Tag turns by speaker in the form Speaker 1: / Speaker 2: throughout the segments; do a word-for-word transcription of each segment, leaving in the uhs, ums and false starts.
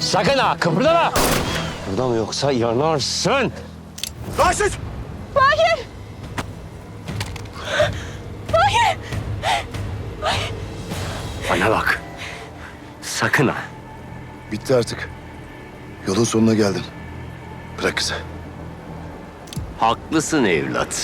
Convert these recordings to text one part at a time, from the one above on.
Speaker 1: Sakın ha, kıpırdama! Kıpırdama yoksa yanarsın!
Speaker 2: Raşit!
Speaker 3: Mahir! Mahir!
Speaker 1: Bana bak! Sakın ha!
Speaker 2: Bitti artık. Yolun sonuna geldin. Bırak kızı.
Speaker 1: Haklısın evlat.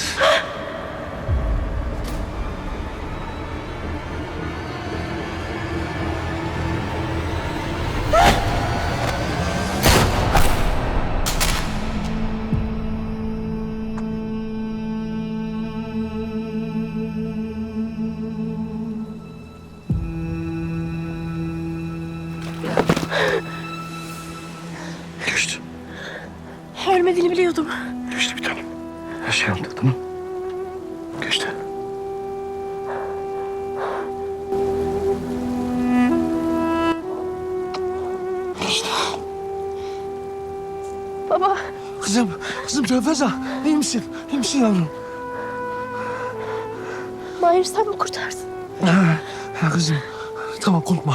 Speaker 2: Geçti.
Speaker 3: Ölmediğini biliyordum.
Speaker 2: Geçti bir tanem. Her şey oldu tamam. Geçti. Geçti.
Speaker 3: Baba,
Speaker 4: Kızım, kızım Tevfeza, iyi misin? İyi misin yavrum?
Speaker 3: Mahir sen mi kurtardın?
Speaker 4: Ha, ha kızım, tamam korkma.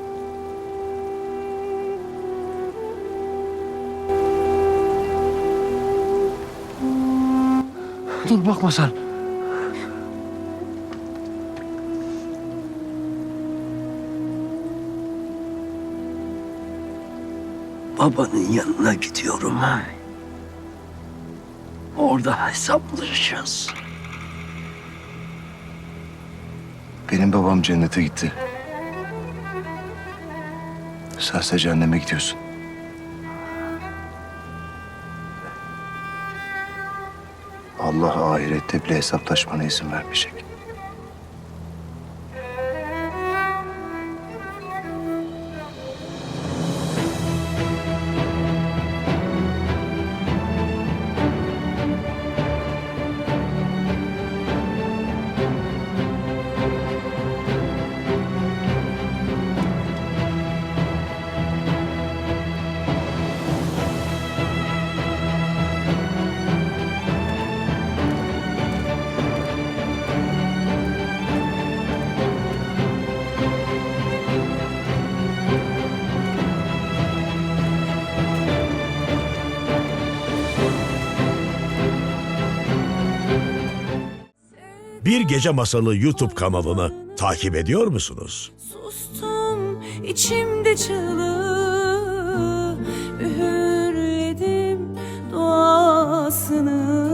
Speaker 4: Dur bakma sen.
Speaker 1: Babanın yanına gidiyorum. Orada hesaplaşacağız.
Speaker 2: Benim babam cennete gitti. Sense cehenneme gidiyorsun. Allah ahirette bile hesaplaşmana izin vermeyecek.
Speaker 5: Bir Gece Masalı YouTube kanalını takip ediyor musunuz?
Speaker 6: Sustum içimde çığlığı, üğürledim duasını.